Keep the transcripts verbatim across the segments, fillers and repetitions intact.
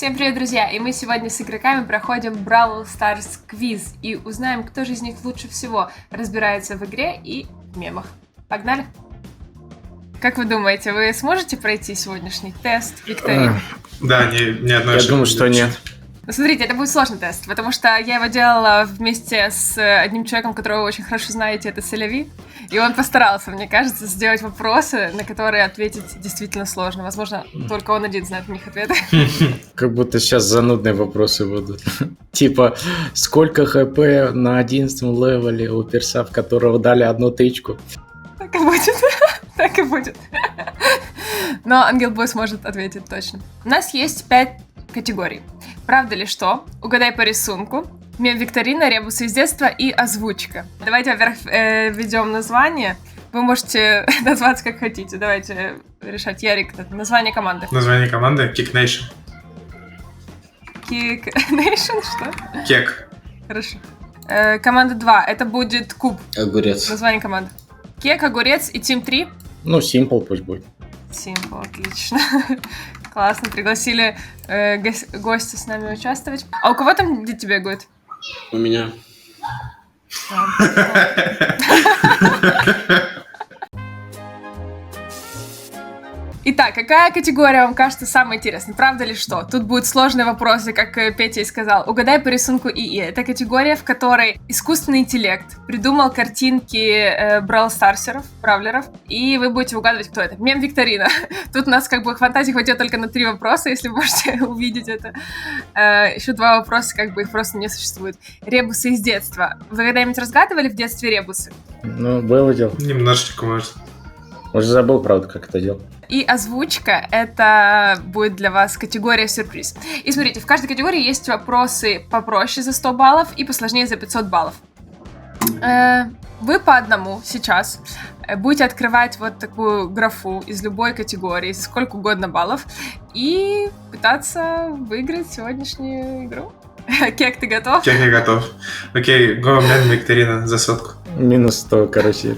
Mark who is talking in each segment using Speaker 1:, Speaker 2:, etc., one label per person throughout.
Speaker 1: Всем привет, друзья! И мы сегодня с игроками проходим Brawl Stars квиз и узнаем, кто же из них лучше всего разбирается в игре и в мемах. Погнали! Как вы думаете, вы сможете пройти сегодняшний тест викторины?
Speaker 2: Да, ни, ни одной
Speaker 3: Я думаю, что нет.
Speaker 1: Ну, смотрите, это будет сложный тест, потому что я его делала вместе с одним человеком, которого вы очень хорошо знаете, это Селяви, и он постарался, мне кажется, сделать вопросы, на которые ответить действительно сложно. Возможно, только он один знает на них ответы.
Speaker 3: Как будто сейчас занудные вопросы будут. Типа, сколько хп на одиннадцатом левеле у перса, в которого дали одну тычку?
Speaker 1: Так и будет. Так и будет. Но Ангел Бой сможет ответить точно. У нас есть пять категорий. Правда ли что? Угадай по рисунку. Мем-викторина, ребусы из детства и озвучка. Давайте, во-первых, э, введем название. Вы можете назваться как хотите. Давайте решать. Ярик, название команды.
Speaker 2: Название команды Kick Nation.
Speaker 1: Kick Nation, что?
Speaker 2: Кек.
Speaker 1: Хорошо. Э, команда два. Это будет Куб.
Speaker 3: Огурец.
Speaker 1: Название команды. Кек, Огурец и Тим три.
Speaker 3: Ну, Simple пусть будет.
Speaker 1: Simple, отлично. Классно, пригласили э, го- гостя с нами участвовать. А у кого там дети бегают?
Speaker 3: У меня.
Speaker 1: Итак, какая категория вам кажется самой интересной? Правда ли что? Тут будут сложные вопросы, как э, Петя и сказал. Угадай по рисунку ИИ. Это категория, в которой искусственный интеллект придумал картинки э, Бравл-старсеров, бравлеров, и вы будете угадывать, кто это. Мем-викторина. Тут у нас как бы фантазии хватит только на три вопроса, если вы можете увидеть это. Э, еще два вопроса, как бы их просто не существует. Ребусы из детства. Вы когда-нибудь разгадывали в детстве ребусы?
Speaker 3: Ну, было дело.
Speaker 2: Немножечко, может.
Speaker 3: Уже забыл, правда, как это делал.
Speaker 1: И озвучка — это будет для вас категория сюрприз. И смотрите, в каждой категории есть вопросы попроще за сто баллов и посложнее за пятьсот баллов. Э, вы по одному сейчас будете открывать вот такую графу из любой категории, за сколько угодно баллов, и пытаться выиграть сегодняшнюю игру. Кек, ты готов?
Speaker 2: Кек, я готов. Окей, го, мем, викторина за сотку.
Speaker 3: Минус сто, короче.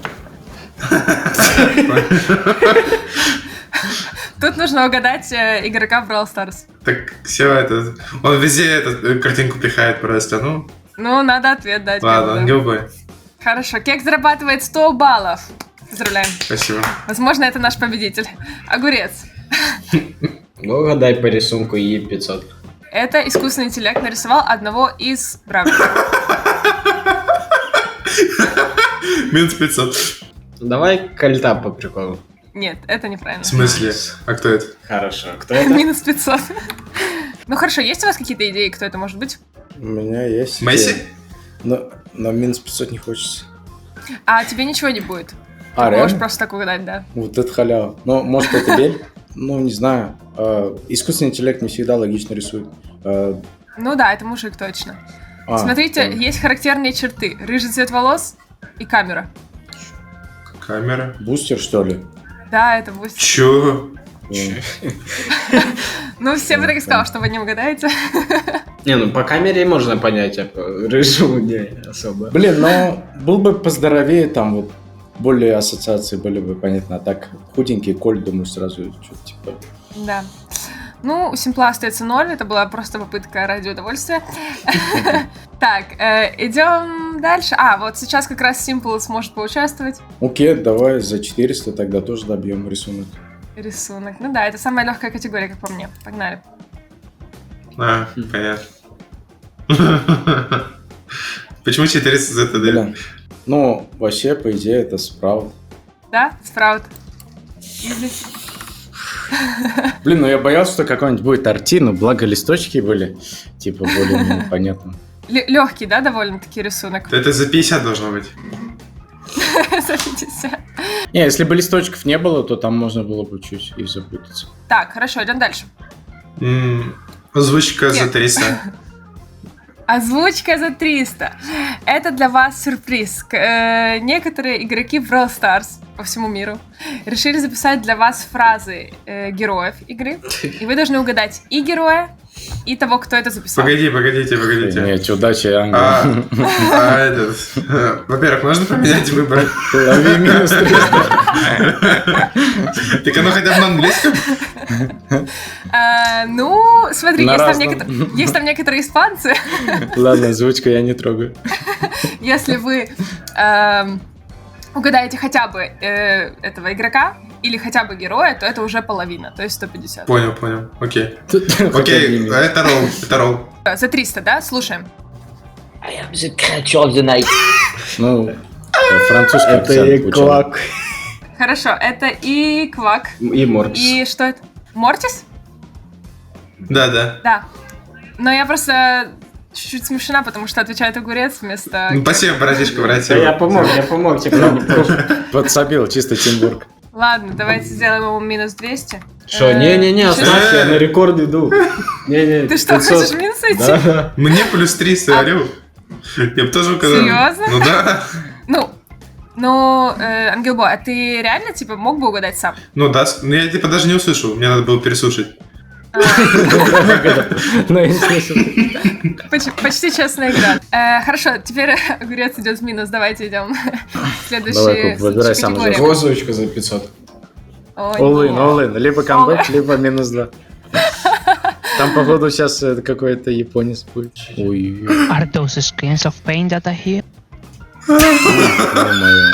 Speaker 1: Тут нужно угадать э, игрока в Brawl Stars.
Speaker 2: Так, все это... Он везде эту картинку пихает просто, ну...
Speaker 1: Ну, надо ответ дать.
Speaker 2: Ладно, Ангел Бой.
Speaker 1: Хорошо, Кек зарабатывает сто баллов. Поздравляем.
Speaker 2: Спасибо.
Speaker 1: Возможно, это наш победитель. Огурец.
Speaker 4: Угадай по рисунку И пятьсот.
Speaker 1: Это искусственный интеллект нарисовал одного из бравлеров.
Speaker 2: Минус пятьсот.
Speaker 4: Давай кольта по приколу.
Speaker 1: Нет, это неправильно.
Speaker 2: В смысле? А кто это?
Speaker 4: Хорошо. Кто это?
Speaker 1: Минус пятьсот. Ну хорошо, есть у вас какие-то идеи, кто это может быть?
Speaker 3: У меня есть.
Speaker 2: Месси?
Speaker 3: Но, но минус пятьсот не хочется.
Speaker 1: А тебе ничего не будет.
Speaker 3: А,
Speaker 1: Можешь
Speaker 3: реально?
Speaker 1: просто так угадать, да.
Speaker 3: Вот это халява. Ну, может, это Бель? Ну, не знаю. А, искусственный интеллект не всегда логично рисует. А,
Speaker 1: Ну да, это мужик точно.
Speaker 3: а,
Speaker 1: Смотрите,
Speaker 3: там
Speaker 1: есть характерные черты. Рыжий цвет волос и камера.
Speaker 2: Камера.
Speaker 3: Бустер, что ли?
Speaker 1: Да, это будет...
Speaker 2: Чё?
Speaker 1: Ну, все бы так и сказал, что вы не угадаете.
Speaker 4: Не, ну по камере можно понять, а по рыжему не особо.
Speaker 3: Блин, но был бы поздоровее, там вот более ассоциации были бы понятно. А так худенький Коль, думаю, сразу что-то типа...
Speaker 1: Да. Ну, у Симпла остается ноль, это была просто попытка ради удовольствия. Так, идем дальше. А, вот сейчас как раз Симпл сможет поучаствовать.
Speaker 3: Окей, давай за четыреста тогда тоже добьем рисунок.
Speaker 1: Рисунок. Ну да, это самая легкая категория, как по мне. Погнали.
Speaker 2: А, понятно. Почему четыреста за это, да?
Speaker 3: Блин. Ну, вообще, по идее, это спраут.
Speaker 1: Да, Спраут. Изи.
Speaker 3: Блин, ну я боялся, что какой-нибудь будет арти, но благо листочки были, типа, более понятно.
Speaker 1: Легкий, да, довольно-таки рисунок?
Speaker 2: Это за пятьдесят должно быть.
Speaker 1: За пятьдесят.
Speaker 3: Не, если бы листочков не было, то там можно было бы чуть и запутаться.
Speaker 1: Так, хорошо, идем дальше.
Speaker 2: М, Озвучка за
Speaker 1: Нет.
Speaker 2: триста.
Speaker 1: Озвучка за триста. Это для вас сюрприз. К- э, некоторые игроки в Brawl Stars по всему миру решили записать для вас фразы э, героев игры. И вы должны угадать и героя, и того, кто это записал.
Speaker 2: Погоди, погодите, погодите.
Speaker 3: Нет, удачи, Ангел.
Speaker 2: А, а этот... Во-первых, можно поменять выбор?
Speaker 3: Лови минус триста.
Speaker 2: Так оно хотя бы на английском?
Speaker 1: А, ну, смотри,
Speaker 3: На
Speaker 1: есть там,
Speaker 3: разном.
Speaker 1: некотор- есть там некоторые испанцы.
Speaker 3: Ладно, озвучку я не трогаю.
Speaker 1: Если вы эм, угадаете хотя бы э, этого игрока или хотя бы героя, то это уже половина, то есть сто пятьдесят.
Speaker 2: Понял, понял. Окей.
Speaker 3: Хоть
Speaker 2: Окей,
Speaker 3: одни минусы.
Speaker 2: это ролл, это ролл.
Speaker 1: За триста, да? Слушаем.
Speaker 5: I am the creature of the night.
Speaker 3: Ну, э, французский
Speaker 4: Это
Speaker 3: акцент
Speaker 4: и
Speaker 3: учил.
Speaker 4: Квак.
Speaker 1: Хорошо, это и Квак.
Speaker 4: И Моркс.
Speaker 1: И что это? Мортис?
Speaker 2: Да, да.
Speaker 1: Да. Но я просто чуть-чуть смешана, потому что отвечает огурец вместо...
Speaker 2: Ну, спасибо, братишка,
Speaker 4: Да
Speaker 2: братья.
Speaker 4: я помог, я помог тебе.
Speaker 3: Подсобил, чисто Тимбург.
Speaker 1: Ладно, давайте сделаем ему минус двести.
Speaker 4: Что,
Speaker 1: Э,
Speaker 4: не-не-не,
Speaker 1: чё-
Speaker 4: оставь, я на рекорд иду. Не-не,
Speaker 1: Ты что,
Speaker 4: пятьсот.
Speaker 1: хочешь минус идти?
Speaker 4: Да.
Speaker 2: Мне плюс триста, алло. Я бы тоже указал.
Speaker 1: Серьезно?
Speaker 2: Ну да.
Speaker 1: Ну, ну, э, Ангелбой, а ты реально, типа, мог бы угадать сам?
Speaker 2: Ну да, с- ну я типа даже не услышал, мне надо было переслушать.
Speaker 3: Ну, интересно.
Speaker 1: Почти, почти честная игра. Э, хорошо, теперь огурец идет в минус. Давайте идем. Следующий.
Speaker 3: Давай, Куб, выбирай
Speaker 1: следующая
Speaker 3: сам
Speaker 1: категория.
Speaker 4: Какую озвучку за пятьсот?
Speaker 1: О,
Speaker 3: All in,
Speaker 1: нет.
Speaker 3: all in. Либо камбэк, либо минус два. Там, походу, сейчас э, какой-то японец будет. Ой,
Speaker 6: Are those screens of pain that I hear?
Speaker 3: ё-моё.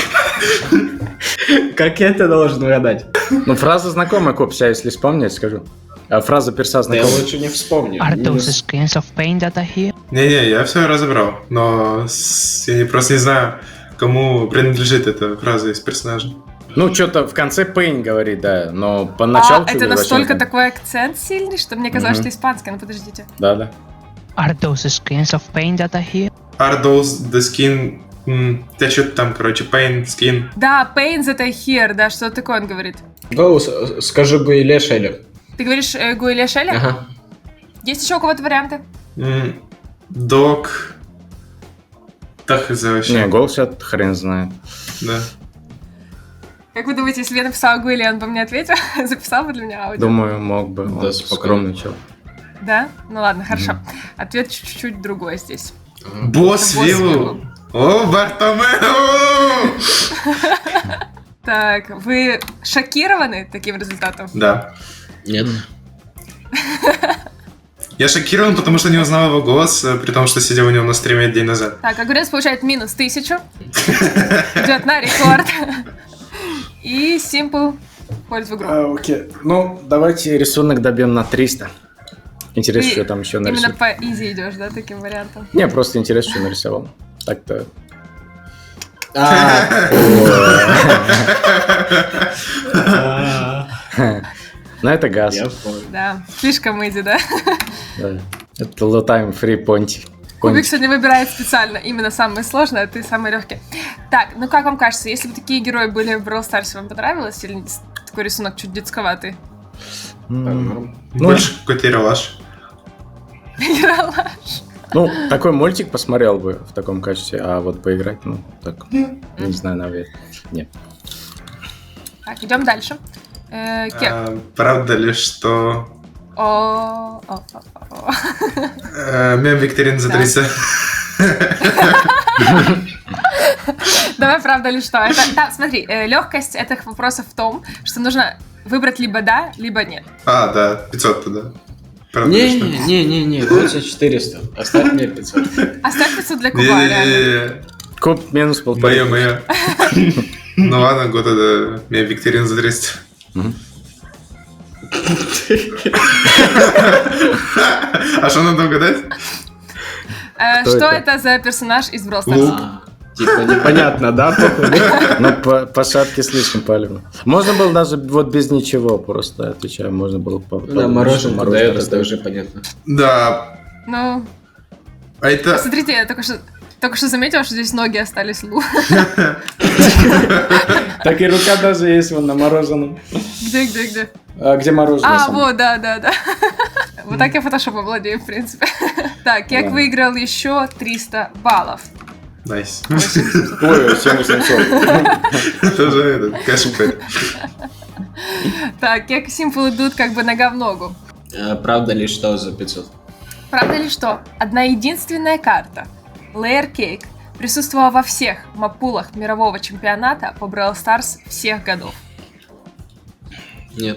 Speaker 4: Как я это должен угадать?
Speaker 3: Ну, фраза знакомая, Коп, сейчас, если вспомнить, скажу. А фраза перса
Speaker 4: Да я
Speaker 3: знакомая.
Speaker 4: лучше не вспомню.
Speaker 6: Are those
Speaker 4: Минус.
Speaker 6: screens of pain that I hear?
Speaker 2: Не-не, я все разобрал, но с- я не- просто не знаю, кому принадлежит эта фраза из персонажа.
Speaker 3: Ну, что-то в конце Пейн говорит, да, но поначалу...
Speaker 1: А, это настолько такой акцент сильный, что мне казалось,
Speaker 3: Мгм.
Speaker 1: что испанский. Ну, подождите.
Speaker 3: Да, да.
Speaker 6: Are those screens of pain that I hear?
Speaker 2: Are those the skin... м, Да что-то там, короче, pain, skin.
Speaker 1: Да, pain that I hear, да, что такое он говорит.
Speaker 4: Гоу, с- скажи бы или Шелли.
Speaker 1: Ты говоришь э, Гуэля Шелли?
Speaker 4: Ага.
Speaker 1: Есть еще у кого-то варианты?
Speaker 2: М, Dog... Так и за вообще.
Speaker 3: Не, голос я хрен знает.
Speaker 2: Да.
Speaker 1: Как вы думаете, если бы я написала Гуэля, он бы мне ответил? Записал бы для меня аудио?
Speaker 3: Думаю, мог бы.
Speaker 4: Да,
Speaker 3: Он
Speaker 4: спокойно.
Speaker 3: скромный чел.
Speaker 1: Да? Ну ладно, хорошо. Ответ чуть-чуть другой здесь.
Speaker 2: Босс
Speaker 1: Босс
Speaker 2: Виллу.
Speaker 1: Виллу.
Speaker 2: О, Бартомео!
Speaker 1: Так, вы шокированы таким результатом?
Speaker 2: Да.
Speaker 4: Нет.
Speaker 2: Я шокирован, потому что не узнал его голос, э, при том, что сидел у него на стриме день назад.
Speaker 1: Так, огурец получает минус тысячу. Идет на рекорд. И Simple входит в игру.
Speaker 3: А, окей. Ну, давайте рисунок добьем на триста. Интересно,
Speaker 1: Ты
Speaker 3: что там еще
Speaker 1: Именно
Speaker 3: нарисовал.
Speaker 1: по изи идешь, да, таким вариантом?
Speaker 3: Не, просто интересно, что нарисовал. Так-то...
Speaker 4: А,
Speaker 3: Ну, это газ.
Speaker 4: я понял.
Speaker 1: Да, слишком изи, да?
Speaker 3: Да. Это low time free понтик.
Speaker 1: Кубик сегодня выбирает специально именно самые сложные, а ты самый легкий. Так, ну как вам кажется, если бы такие герои были в Brawl Stars, вам понравилось? Или такой рисунок чуть детсковатый?
Speaker 3: Ну,
Speaker 2: Больше какой-то ералаш.
Speaker 1: Ералаш.
Speaker 3: ну, такой мультик посмотрел бы в таком качестве, а вот поиграть, ну, так, не знаю, наверное. Нет.
Speaker 1: Так, идем дальше. Э, Кек.
Speaker 2: А, Правда ли, что
Speaker 1: О, о, о, о.
Speaker 2: э, мем викторин за
Speaker 1: Да.
Speaker 2: триста?
Speaker 1: Давай, правда ли что? Это, да, смотри, легкость этих вопросов в том, что нужно выбрать либо да, либо нет.
Speaker 2: А, да, пятьсот тогда. Правда ли, что?
Speaker 4: Не-не-не, лучше четыреста. Оставь мне пятьсот.
Speaker 1: Оставь пиццу для Куба, реально.
Speaker 2: Не-не-не,
Speaker 3: Куб минус полтора.
Speaker 2: мое, мое. Ну ладно, год это мем викторин за триста.
Speaker 3: Мгм.
Speaker 2: А что надо угадать?
Speaker 1: Э,
Speaker 3: Кто
Speaker 1: Что
Speaker 3: это?
Speaker 1: это за персонаж из Brawl Stars?
Speaker 2: Лук.
Speaker 4: А, Типа непонятно, да, походу?
Speaker 3: Ну, по, по шапке слишком палевно. Можно было даже вот без ничего, просто отвечаю, можно было по,
Speaker 4: Да,
Speaker 3: по-
Speaker 4: мороженое
Speaker 3: мороженое
Speaker 4: дает, это
Speaker 3: расставить.
Speaker 4: уже понятно.
Speaker 2: Да.
Speaker 1: Ну,
Speaker 2: А это...
Speaker 1: смотрите, я только что, только что заметила, что здесь ноги остались Лу.
Speaker 3: Так и рука даже есть вон на мороженом.
Speaker 1: Где, где, где?
Speaker 3: А где мороженое?
Speaker 1: А,
Speaker 3: само?
Speaker 1: вот, да, да, да. Вот так я фотошопом владею, в принципе. Так, Кек
Speaker 3: Да.
Speaker 1: выиграл еще триста баллов.
Speaker 2: Найс.
Speaker 3: Ой, семь восемьсот.
Speaker 2: Тоже этот, кэш какой-то.
Speaker 1: Так, Кек и Simple идут как бы нога в ногу.
Speaker 4: Э, Правда ли, что за пятьсот?
Speaker 1: Правда ли что? Одна единственная карта Layer Cake присутствовала во всех маппулах мирового чемпионата по Brawl Stars всех годов.
Speaker 4: Нет.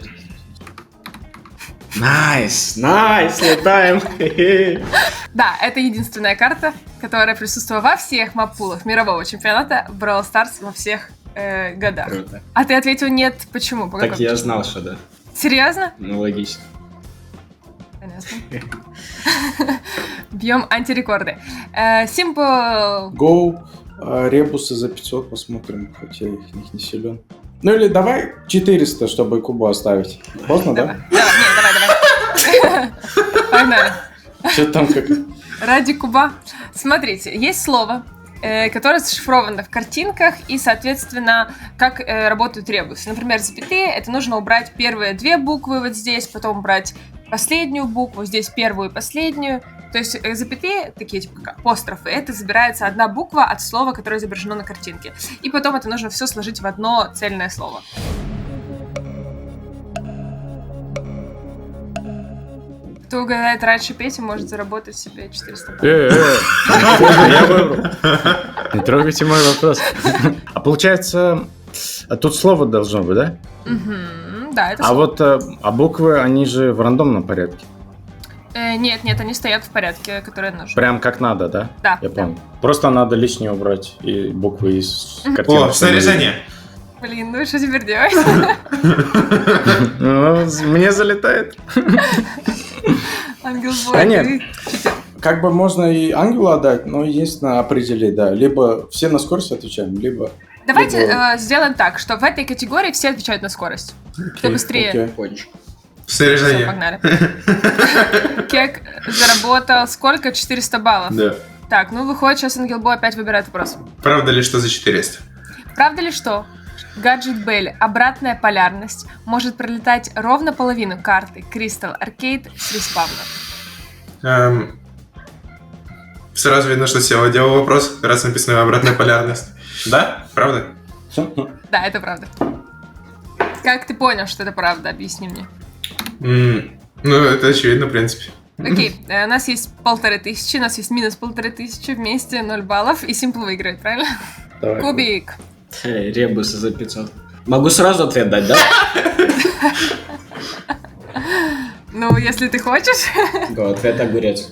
Speaker 4: Найс, найс, летаем.
Speaker 1: Да, это единственная карта, которая присутствовала во всех маппулах мирового чемпионата Brawl Stars во всех э, годах.
Speaker 4: Круто.
Speaker 1: А ты ответил нет, почему? По
Speaker 4: Так
Speaker 1: какой
Speaker 4: я
Speaker 1: причине?
Speaker 4: знал, что да.
Speaker 1: Серьезно?
Speaker 4: Ну, логично.
Speaker 1: Понятно. Бьем антирекорды. Э, Simple...
Speaker 3: Go, э, ребусы за пятьсот посмотрим, хотя я их них не силен. Ну или давай четыреста, чтобы Кубу оставить. Поздно,
Speaker 1: Давай,
Speaker 3: да?
Speaker 1: давай, нет, давай, давай. Погнали.
Speaker 3: Что там как...
Speaker 1: Ради куба. Смотрите, есть слово, э, которое зашифровано в картинках и, соответственно, как э, работают ребусы. Например, запятые, это нужно убрать первые две буквы вот здесь, потом убрать последнюю букву, здесь первую и последнюю. То есть э, запятые, такие типа как апострофы, это забирается одна буква от слова, которое изображено на картинке. И потом это нужно все сложить в одно цельное слово. Кто угадает раньше Пети, может заработать себе четыреста баллов.
Speaker 3: Э, э, я выбрал. Не трогайте мой вопрос. А получается, а тут слово должно быть, да?
Speaker 1: Мгм, да, это
Speaker 3: А
Speaker 1: слово.
Speaker 3: вот э, а буквы, они же в рандомном порядке.
Speaker 1: Э, нет, нет, они стоят в порядке, которые нужны.
Speaker 3: Прям как надо, да?
Speaker 1: Да,
Speaker 3: Я
Speaker 1: да.
Speaker 3: понял. Просто надо лишнее убрать и буквы из
Speaker 1: Мгм.
Speaker 3: картинки.
Speaker 2: О, снаряжение.
Speaker 1: Блин, ну и что теперь делать?
Speaker 3: Ну, мне залетает.
Speaker 1: Ангел
Speaker 3: Да
Speaker 1: Бой,
Speaker 3: нет.
Speaker 1: ты читер.
Speaker 3: Как бы можно и ангелу отдать, но единственное определить, да. Либо все на скорость отвечаем, либо...
Speaker 1: Давайте
Speaker 3: Либо-
Speaker 1: э, сделаем так, что в этой категории все отвечают на скорость. Кто быстрее.
Speaker 3: Окей.
Speaker 4: Хочешь.
Speaker 1: Все,
Speaker 2: Снаряжение.
Speaker 1: погнали. Кек заработал сколько? четыреста баллов.
Speaker 2: Да.
Speaker 1: Так, ну выходит, сейчас Ангел Бой опять выбирает вопрос.
Speaker 2: Правда ли, что за четыреста?
Speaker 1: Правда ли, что гаджет Белли обратная полярность может пролетать ровно половину карты Crystal Arcade с респавна?
Speaker 2: Эм, Сразу видно, что Сева делал вопрос, раз написано обратная полярность. Да? Правда?
Speaker 1: Да, это правда. Как ты понял, что это правда? Объясни мне.
Speaker 2: М, Ну, это очевидно, в принципе.
Speaker 1: Окей, э, у нас есть полторы тысячи, у нас есть минус полторы тысячи, вместе ноль баллов, и Simple выиграет, правильно?
Speaker 3: Давай.
Speaker 1: Кубик.
Speaker 4: Эй, ребусы за пятьсот. Могу сразу ответ дать, да?
Speaker 1: Ну, если ты хочешь.
Speaker 4: Го, ответ огурец.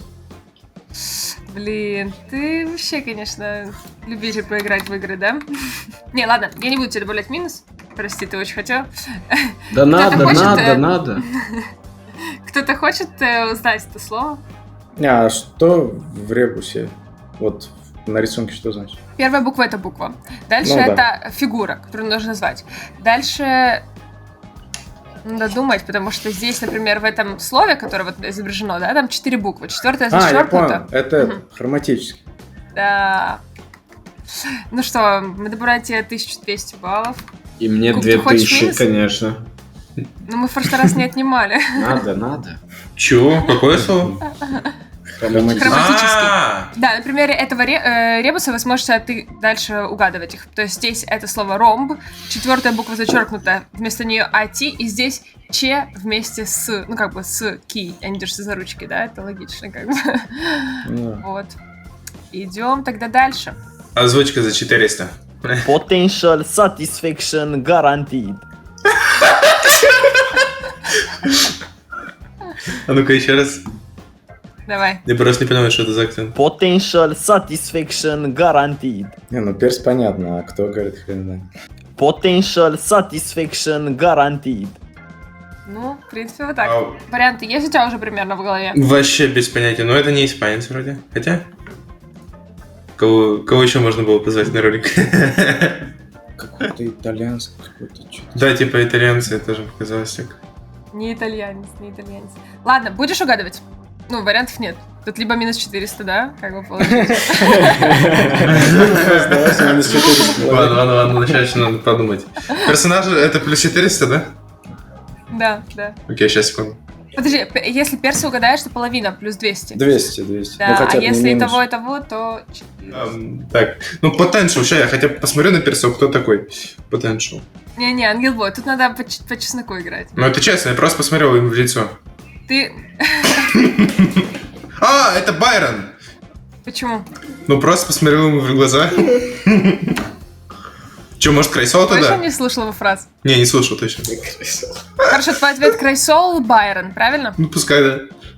Speaker 1: Блин, ты вообще, конечно, любитель поиграть в игры, да? Не, ладно, я не буду тебе добавлять минус. Прости, ты очень хотел.
Speaker 4: Да надо,
Speaker 1: хочет,
Speaker 4: надо,
Speaker 1: э,
Speaker 4: надо.
Speaker 1: Кто-то хочет э, узнать это слово?
Speaker 3: А что в ребусе? Вот на рисунке что значит?
Speaker 1: Первая буква — это буква. Дальше
Speaker 3: Ну
Speaker 1: это
Speaker 3: да.
Speaker 1: фигура, которую нужно назвать. Дальше надо думать, потому что здесь, например, в этом слове, которое вот изображено, да, там четыре буквы. Четвертая
Speaker 3: А, я
Speaker 1: зачеркнута.
Speaker 3: понял. Это
Speaker 1: Мгм.
Speaker 3: хроматически.
Speaker 1: Да. Ну что, мы добавляем тебе тысячу двести баллов.
Speaker 4: И мне
Speaker 1: Куб,
Speaker 4: две
Speaker 1: ты хочешь
Speaker 4: тысячи,
Speaker 1: минус?
Speaker 4: конечно.
Speaker 1: Но мы в прошлый раз не отнимали.
Speaker 4: Надо, надо.
Speaker 2: Чё? Какое слово?
Speaker 4: Хроматически.
Speaker 1: Хроматический.
Speaker 2: А,
Speaker 1: Да, на примере этого ре- э, ребуса вы сможете ты дальше угадывать их. То есть здесь это слово ромб, четвертая буква зачеркнута, вместо нее ати, и здесь че вместе с, ну как бы с ки, они держатся за ручки, да, это логично как бы.
Speaker 3: Ну,
Speaker 1: Вот. Идем тогда дальше.
Speaker 2: Озвучка за четыреста.
Speaker 5: Potential satisfaction guaranteed.
Speaker 2: А ну-ка еще раз.
Speaker 1: Давай.
Speaker 2: Я просто не понимаю, что это за акцент.
Speaker 5: Potential satisfaction guaranteed.
Speaker 3: не, ну перс понятно, а кто говорит хрен знает.
Speaker 5: Potential satisfaction guaranteed.
Speaker 1: Ну, в принципе, вот так.
Speaker 2: Ау.
Speaker 1: Варианты есть у тебя уже примерно в голове?
Speaker 2: Вообще без понятия, но это не испанец вроде. Хотя? Кого, кого еще можно было позвать на ролик?
Speaker 3: Какой-то итальянский, какой-то что-то.
Speaker 2: Да, типа итальянцы, тоже показалось так.
Speaker 1: Не итальянец, не итальянец. Ладно, будешь угадывать? Ну, вариантов нет. Тут либо минус четыреста, да? Как бы получится.
Speaker 2: Ладно, ладно, ладно, начать надо подумать. Персонаж это плюс четыреста, да?
Speaker 1: Да, да.
Speaker 2: Окей, сейчас, секунду.
Speaker 1: Подожди, п- если перса угадаешь, то половина плюс двести.
Speaker 3: двести, двести.
Speaker 1: Да,
Speaker 3: Ну, хотя
Speaker 1: а
Speaker 3: бы не
Speaker 1: если и
Speaker 3: минус.
Speaker 1: того, и того, то четыреста.
Speaker 2: Ам, Так, ну potential, сейчас я хотя бы посмотрю на персов, кто такой potential.
Speaker 1: Не-не, Ангел Бой, тут надо по, ч- по чесноку играть.
Speaker 2: Ну это честно, я просто посмотрел им в лицо.
Speaker 1: Ты...
Speaker 2: А, это Байрон!
Speaker 1: Почему?
Speaker 2: Ну, просто посмотрел ему в глаза. Че, может, Крайсол
Speaker 1: Точно
Speaker 2: туда?
Speaker 1: не слышал его фраз?
Speaker 2: Не, не слушал точно.
Speaker 1: Хорошо, твой ответ Крайсол, Байрон, правильно?
Speaker 2: Ну, пускай, да.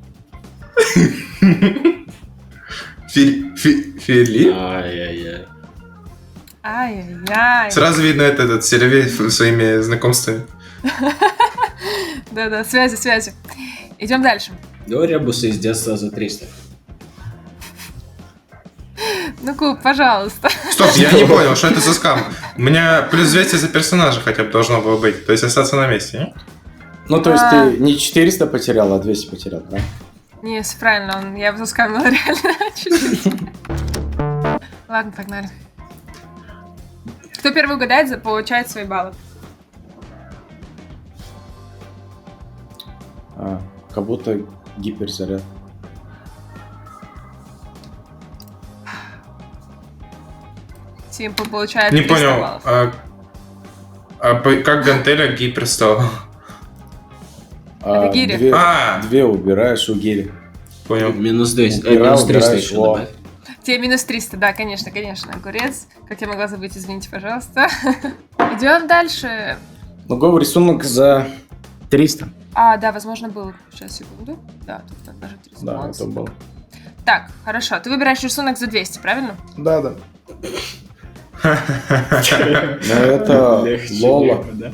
Speaker 2: Фи- фи- Фили?
Speaker 3: Ай-яй-яй.
Speaker 1: Ай-яй-яй.
Speaker 2: Сразу видно это, этот Сервей своими знакомствами.
Speaker 1: Да-да, связи, связи. Идем дальше.
Speaker 4: Давай ребусы из детства за триста.
Speaker 1: Ну, Куб, пожалуйста.
Speaker 2: Стоп, я не понял, что это за скам. У меня плюс двести за персонажа хотя бы должно было быть. То есть остаться на месте, не?
Speaker 3: Ну, то есть
Speaker 1: А.
Speaker 3: ты не четыреста потерял, а двести потерял, да?
Speaker 1: Не, всё правильно, он, я бы заскамила реально чуть-чуть. Ладно, погнали. Кто первый угадает, за- получает свои баллы.
Speaker 3: А, как будто гиперзаряд.
Speaker 1: Симпл получает
Speaker 2: Не
Speaker 1: триста
Speaker 2: понял,
Speaker 1: баллов.
Speaker 2: а, а по- как гантеля гипер стал?
Speaker 3: А,
Speaker 1: Это гири.
Speaker 3: Две,
Speaker 2: А.
Speaker 3: две убираешь у гири.
Speaker 2: Понял.
Speaker 4: Минус двести.
Speaker 3: Убирал,
Speaker 4: Э, минус триста
Speaker 3: убираешь,
Speaker 4: еще
Speaker 3: во.
Speaker 4: добавь.
Speaker 1: Тебе минус триста, да, конечно, конечно. Огурец. Как я могла забыть, извините, пожалуйста. Идем дальше.
Speaker 3: Ну, го рисунок за триста.
Speaker 1: А, да, возможно, был. Сейчас, секунду. Да, тут даже триста.
Speaker 3: Да,
Speaker 1: баллов.
Speaker 3: это было.
Speaker 1: Так, хорошо. Ты выбираешь рисунок за двести, правильно?
Speaker 3: Да, да. Но это Лола.
Speaker 4: да?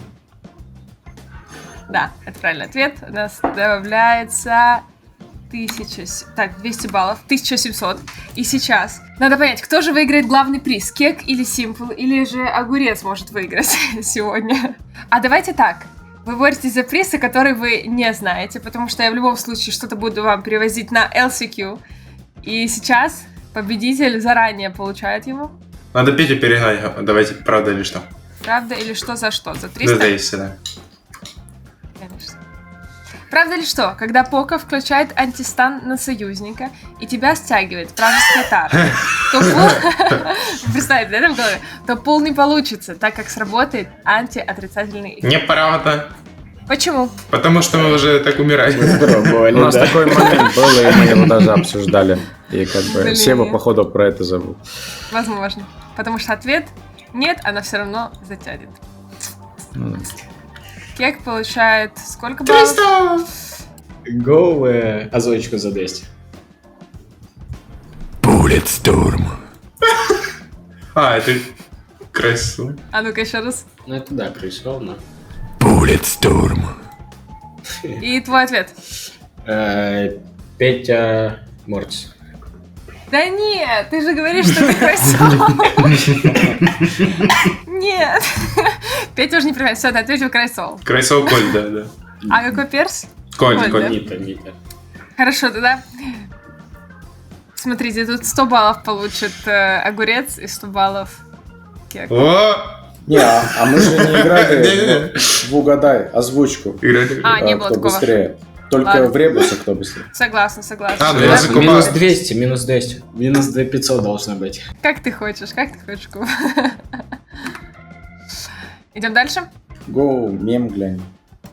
Speaker 1: Да, это правильный ответ. У нас добавляется тысяча... с- Так, двести баллов. тысяча семьсот. И сейчас надо понять, кто же выиграет главный приз? Кек или Симпл? Или же Огурец может выиграть сегодня? А давайте так. Вы боретесь за приз, который вы не знаете, потому что я в любом случае что-то буду вам перевозить на эл си кью. И сейчас победитель заранее получает его.
Speaker 2: Надо Петю перегнать. Давайте, правда или что?
Speaker 1: Правда или что за что? За
Speaker 2: Да,
Speaker 1: триста?
Speaker 2: да, если да.
Speaker 1: Конечно. Правда ли что, когда Пока включает антистан на союзника и тебя стягивает вражеская тара, то пул... Представьте, да, в голове? То пул не получится, так как сработает антиотрицательный эффект.
Speaker 2: Неправда.
Speaker 1: Почему?
Speaker 2: Потому что мы уже так умираем.
Speaker 3: У нас такой момент был, и мы его даже обсуждали. И как бы
Speaker 1: Блин.
Speaker 3: Сева, походу, про это забыл.
Speaker 1: Возможно. Потому что ответ нет, она все равно затянет.
Speaker 3: Ну,
Speaker 1: Кек получает сколько баллов?
Speaker 4: Гоу, э, озвучку за двести.
Speaker 2: А, это красиво.
Speaker 1: А ну-ка еще раз.
Speaker 4: Ну это да, крысовно.
Speaker 1: И твой ответ.
Speaker 4: Э, Петя Мортис.
Speaker 1: Да нет, ты же говоришь, что ты красава. Нет. Петя уже не понимает. Все, ты ответил Крайсол.
Speaker 2: Крайсол Коль, да, да.
Speaker 1: А какой перс?
Speaker 2: Коль,
Speaker 1: Коль,
Speaker 2: Коль.
Speaker 1: да?
Speaker 4: Нита, Нита.
Speaker 1: Хорошо, тогда... Смотрите, тут сто баллов получит э, Огурец и сто баллов Кек.
Speaker 2: О!
Speaker 3: Не, а, а мы же не
Speaker 2: Не-не-не.
Speaker 3: играли в, в угадай озвучку.
Speaker 2: Играть.
Speaker 1: А, не
Speaker 3: э,
Speaker 1: было
Speaker 3: кто
Speaker 1: такого.
Speaker 3: быстрее. Только
Speaker 1: Ладно.
Speaker 3: в ребусе кто быстрее.
Speaker 1: Согласна, согласна.
Speaker 2: А, ну
Speaker 1: Да?
Speaker 2: я закупал.
Speaker 4: Минус двести, минус двести. Минус две тысячи пятьсот должно быть.
Speaker 1: Как ты хочешь, как ты хочешь, Куб. Идем дальше?
Speaker 3: Гоу, мем глянь.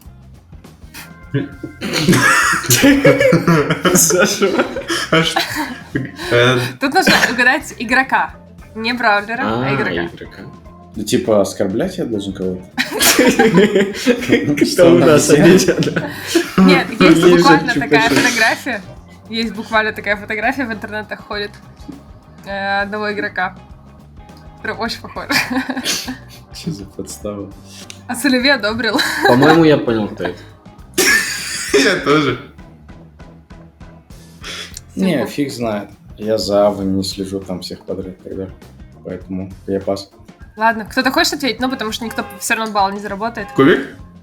Speaker 2: А что? Э,
Speaker 1: Тут нужно угадать игрока. Не браулера, а
Speaker 4: А,
Speaker 1: игрока.
Speaker 4: игрока.
Speaker 3: Ну, типа, оскорблять я должен кого-то?
Speaker 4: Что у нас обидят?
Speaker 1: Нет, есть
Speaker 4: Лежит
Speaker 1: буквально
Speaker 4: чупа-чуп.
Speaker 1: такая фотография. Есть буквально такая фотография в интернетах ходит э, одного игрока. Который очень похож.
Speaker 3: Что за подстава?
Speaker 1: А Соливей одобрил.
Speaker 4: По-моему, я понял, кто это.
Speaker 2: Я тоже.
Speaker 3: Не, фиг знает. Я за авами не слежу там всех подряд тогда. Поэтому я пас.
Speaker 1: Ладно, кто-то хочет ответить? Ну, потому что никто все равно балл не заработает.
Speaker 2: Кубик?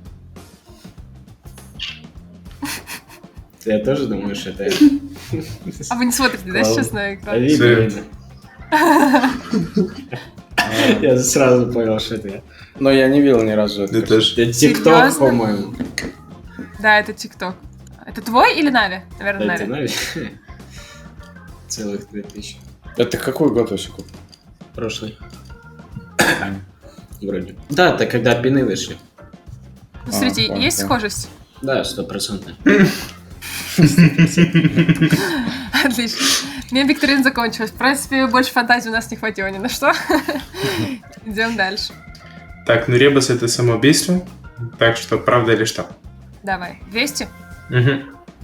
Speaker 4: Я тоже думаю, что это...
Speaker 1: А вы не смотрите, да,
Speaker 3: Ладно.
Speaker 1: сейчас на
Speaker 4: А
Speaker 1: экран?
Speaker 4: видно, видно. Я сразу понял, что это я.
Speaker 3: Но я не видел ни разу это.
Speaker 2: Я тоже.
Speaker 4: Это ТикТок,
Speaker 1: Серьезно?
Speaker 4: по-моему.
Speaker 1: Да, это ТикТок. Это твой или Нави? Наверное,
Speaker 4: Это,
Speaker 1: Нави.
Speaker 4: знаешь, целых две тысячи.
Speaker 3: Это какой год вообще купил?
Speaker 4: Прошлый. Вроде. Да, это когда пины вышли.
Speaker 1: Ну, смотрите,
Speaker 3: понял,
Speaker 1: есть
Speaker 3: понял.
Speaker 1: схожесть?
Speaker 4: Да, стопроцентно.
Speaker 1: Отлично. Мем-викторина закончилась. В принципе, больше фантазии у нас не хватило ни на что. Идем дальше.
Speaker 2: Так, ну ребус это самоубийство. Так что, правда или что?
Speaker 1: Давай. двести?
Speaker 2: Угу.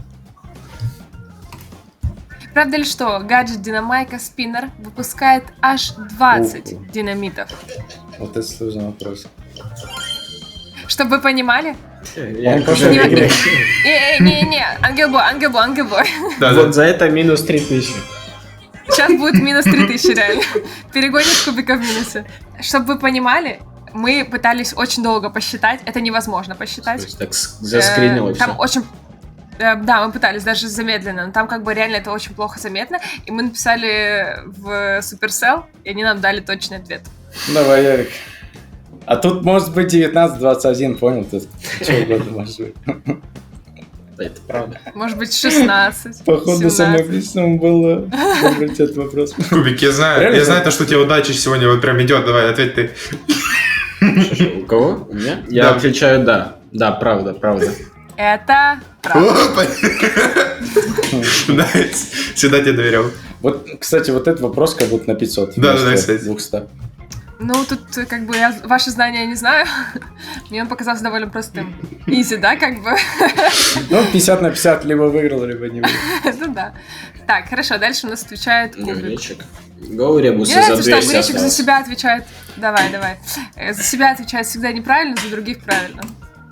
Speaker 1: Правда ли что, гаджет Динамайка Спиннер выпускает аж двадцать
Speaker 3: Уху.
Speaker 1: динамитов?
Speaker 3: Вот это сложный вопрос.
Speaker 1: Чтобы вы понимали?
Speaker 4: Я
Speaker 3: Он
Speaker 4: тоже
Speaker 3: пошел
Speaker 1: Не,
Speaker 3: в игре.
Speaker 1: не, не, не, ангелбой, ангелбой, ангелбой.
Speaker 2: Да,
Speaker 4: Вот
Speaker 2: да.
Speaker 4: за это минус три тысячи.
Speaker 1: Сейчас будет минус три тысячи реально. Перегонишь кубика в минусе. Чтобы вы понимали, мы пытались очень долго посчитать. Это невозможно
Speaker 4: То
Speaker 1: посчитать.
Speaker 4: есть так с- заскринило
Speaker 1: Э,
Speaker 4: все.
Speaker 1: Там очень... э, Да, мы пытались даже замедленно, но там как бы реально это очень плохо заметно. И мы написали в Supercell, и они нам дали точный ответ.
Speaker 3: Давай, Ярик. А тут может быть девятнадцать двадцать один, понял? Тут что угодно может быть.
Speaker 4: Это правда.
Speaker 1: Может быть, шестнадцать,
Speaker 3: Походу,
Speaker 1: семнадцать.
Speaker 3: самоубийством было выбрать этот вопрос.
Speaker 2: Кубик, я знаю,
Speaker 3: Реально
Speaker 2: я
Speaker 3: так?
Speaker 2: знаю то, что у тебя удача сегодня вот прям идет. Давай, ответь ты.
Speaker 4: У кого? У меня? Я
Speaker 2: Да.
Speaker 4: отвечаю да. Да, правда, правда.
Speaker 1: Это правда.
Speaker 2: Опа. Да, всегда тебе доверял.
Speaker 3: Вот, кстати, вот этот вопрос как будто на пятьсот.
Speaker 2: Да, да, да,
Speaker 3: вместо
Speaker 2: кстати.
Speaker 3: двухсот.
Speaker 1: Ну, тут э, как бы я ваши знания не знаю. Мне он показался довольно простым. Изи, да, как бы?
Speaker 3: Ну, пятьдесят на пятьдесят, либо выиграл, либо не выиграл.
Speaker 1: Ну да. Так, хорошо, дальше у нас отвечает Кубик.
Speaker 4: Огуречек. Go, Ребусы,
Speaker 1: Мне
Speaker 4: за
Speaker 1: нравится, что
Speaker 4: двести
Speaker 1: Огуречек за
Speaker 4: осталось.
Speaker 1: себя отвечает. Давай, давай. Э, За себя отвечает всегда неправильно, за других правильно.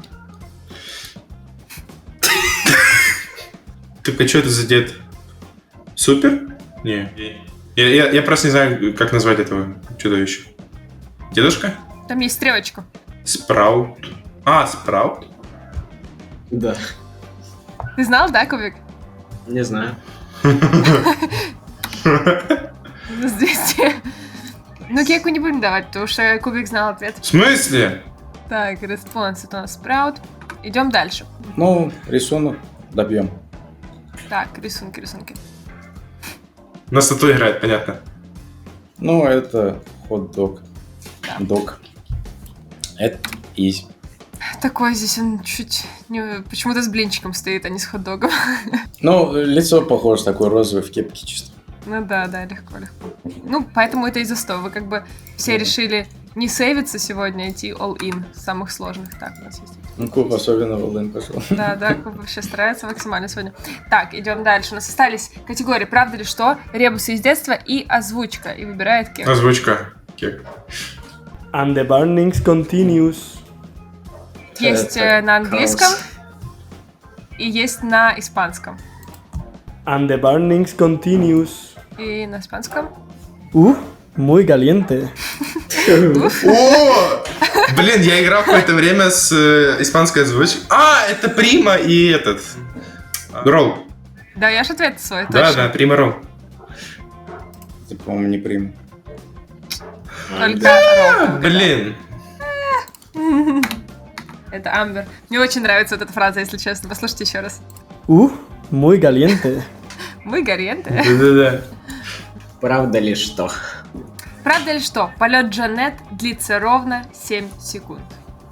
Speaker 2: Так, а что это за дед? Супер? Не. Я, я, я просто не знаю, как назвать этого чудовища. Дедушка?
Speaker 1: Там есть стрелочка.
Speaker 2: Спраут. А, Спраут?
Speaker 4: Да,
Speaker 1: Ты знал, да, Кубик?
Speaker 4: не знаю.
Speaker 1: Минус двести. Ну, кеку не будем давать, потому что Кубик знал ответ.
Speaker 2: В смысле?
Speaker 1: Так, респонс это у нас Спраут. Идем дальше.
Speaker 3: Ну, рисунок добьем.
Speaker 1: Так, рисунки, рисунки.
Speaker 2: На стату играет, понятно.
Speaker 3: Ну, это хот-дог. Дог. Это изи.
Speaker 1: Такой здесь он чуть... не- почему-то с блинчиком стоит, а не с хот-догом.
Speaker 3: Ну, лицо похоже, такой розовый в кепке чисто.
Speaker 1: Ну да, да, легко, легко. Ну, поэтому это и за сто. Вы как бы все решили не сейвиться сегодня, а идти all-in с самых сложных. Так, у нас есть.
Speaker 3: Ну, Куб особенно в Олден пошел.
Speaker 1: Да, да, Куб вообще старается максимально сегодня. Так, идем дальше. У нас остались категории «Правда ли что?», «Ребусы из детства» и «Озвучка». И выбирает Кек.
Speaker 2: Озвучка. Кек.
Speaker 7: And the burnings continues.
Speaker 1: Есть
Speaker 4: Это
Speaker 1: э, на английском
Speaker 4: хаос.
Speaker 1: и есть на испанском.
Speaker 7: And the burnings continues.
Speaker 1: И на испанском.
Speaker 7: Uh, muy caliente.
Speaker 2: О! Блин, я играл какое-то время с э, испанской озвучкой. А, это Прима и этот. Ролл.
Speaker 1: Да, я же ответ свой,
Speaker 2: Да,
Speaker 1: точно.
Speaker 2: да, Прима Ролл.
Speaker 3: Это, по-моему, не приму.
Speaker 1: Только Ролл.
Speaker 2: Блин.
Speaker 1: Это Амбер. Мне очень нравится вот эта фраза, если честно. Послушайте еще раз.
Speaker 7: Uh, muy caliente.
Speaker 1: Мы горенты.
Speaker 2: Да-да-да.
Speaker 4: Правда ли что?
Speaker 1: Правда ли что? Полет Джанет длится ровно семь секунд.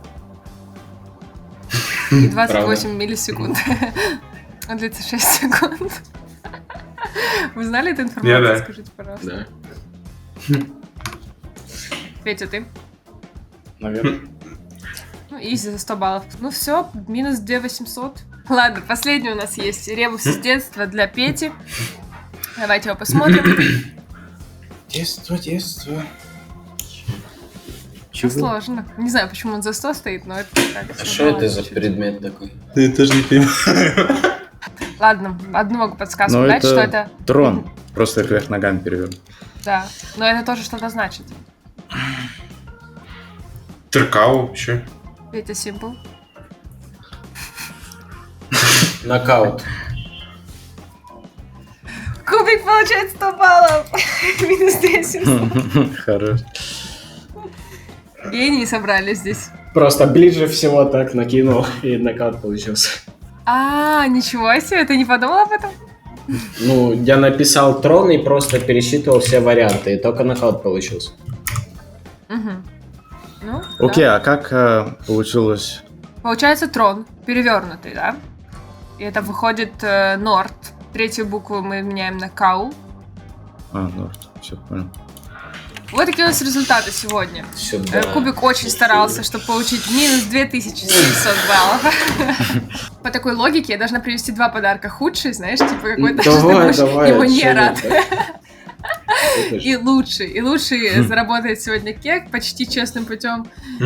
Speaker 1: И двадцать восемь миллисекунд. Он длится шесть секунд. Вы знали эту информацию?
Speaker 2: Я да.
Speaker 1: Скажите, пожалуйста.
Speaker 4: Да.
Speaker 1: Петя, ты?
Speaker 3: Наверное.
Speaker 1: Ну, изи за сто баллов. Ну все, минус две тысячи восемьсот. Ладно, последний у нас есть ребус из детства для Пети. Давайте его посмотрим.
Speaker 3: Детство, детство.
Speaker 1: Чего? Сложно. Не знаю, почему он за сто стоит, но это так.
Speaker 4: А что это за предмет такой?
Speaker 2: Я тоже не понимаю.
Speaker 1: Ладно, одну могу подсказку
Speaker 3: Но
Speaker 1: дать,
Speaker 3: это
Speaker 1: что это...
Speaker 3: трон. Просто вверх ногами перевернут.
Speaker 1: Да, но это тоже что-то значит.
Speaker 2: Теркау еще.
Speaker 1: Петя Симпл.
Speaker 4: Нокаут.
Speaker 1: Кубик получает сто баллов. Минус десять.
Speaker 3: Хорош.
Speaker 1: Гении собрались здесь.
Speaker 4: Просто ближе всего так накинул, и нокаут получился.
Speaker 1: А, ничего себе, ты не подумал об этом?
Speaker 4: Ну, я написал трон и просто пересчитывал все варианты, и только нокаут получился.
Speaker 1: Угу. Ну,
Speaker 3: Окей,
Speaker 1: да.
Speaker 3: а как э, получилось?
Speaker 1: Получается трон, перевернутый, да? И это выходит э, Норд. Третью букву мы меняем на Кау.
Speaker 3: А, ну, все понял.
Speaker 1: Вот такие у нас результаты сегодня.
Speaker 4: Сюда.
Speaker 1: Э, Кубик очень старался, чтобы получить минус две тысячи семьсот баллов. По такой логике я должна привести два подарка. Худший, знаешь, типа какой-то, что ты
Speaker 4: Давай,
Speaker 1: будешь
Speaker 4: давай.
Speaker 1: ему не
Speaker 4: чё
Speaker 1: рад.
Speaker 4: это? Это ж-
Speaker 1: И лучший. И лучший заработает сегодня кек почти честным путем.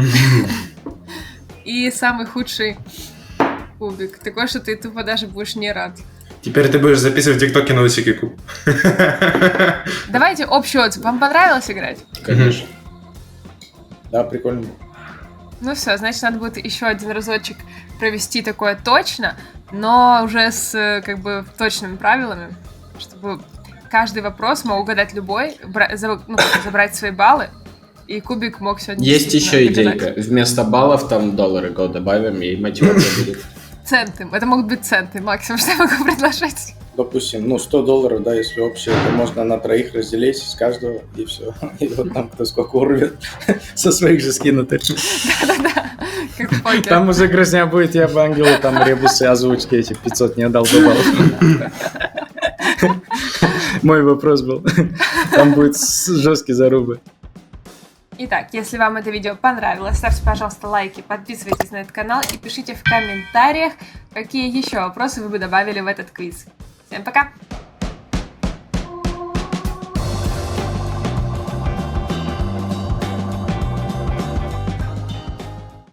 Speaker 1: И самый худший Кубик. Такой, что ты тупо даже будешь не рад.
Speaker 2: Теперь ты будешь записывать тиктоки на Лысикику.
Speaker 1: Давайте общий отзыв. Вам понравилось играть?
Speaker 4: Конечно.
Speaker 3: Да, прикольно.
Speaker 1: Ну все, значит, надо будет еще один разочек провести такое точно, но уже с э, как бы точными правилами, чтобы каждый вопрос мог угадать любой, бра- за- ну, как, забрать свои баллы, и Кубик мог сегодня
Speaker 4: Есть
Speaker 1: действительно
Speaker 4: еще
Speaker 1: доказать.
Speaker 4: идейка. Вместо баллов там доллары го добавим, и мотивация будет.
Speaker 1: Центы. Это могут быть центы, максимум, что я могу предложить.
Speaker 3: Допустим, ну, сто долларов, да, если общее, то можно на троих разделить с каждого, и все. И вот там кто сколько урвет, со своих же скинутых.
Speaker 1: Да-да-да, как в покере.
Speaker 3: Там уже грозня будет, я бы ангелу там ребусы, озвучки эти пятьсот не отдал до баллов. Мой вопрос был. Там будет жесткие зарубы.
Speaker 1: Итак, если вам это видео понравилось, ставьте, пожалуйста, лайки, подписывайтесь на этот канал и пишите в комментариях, какие еще вопросы вы бы добавили в этот квиз. Всем пока!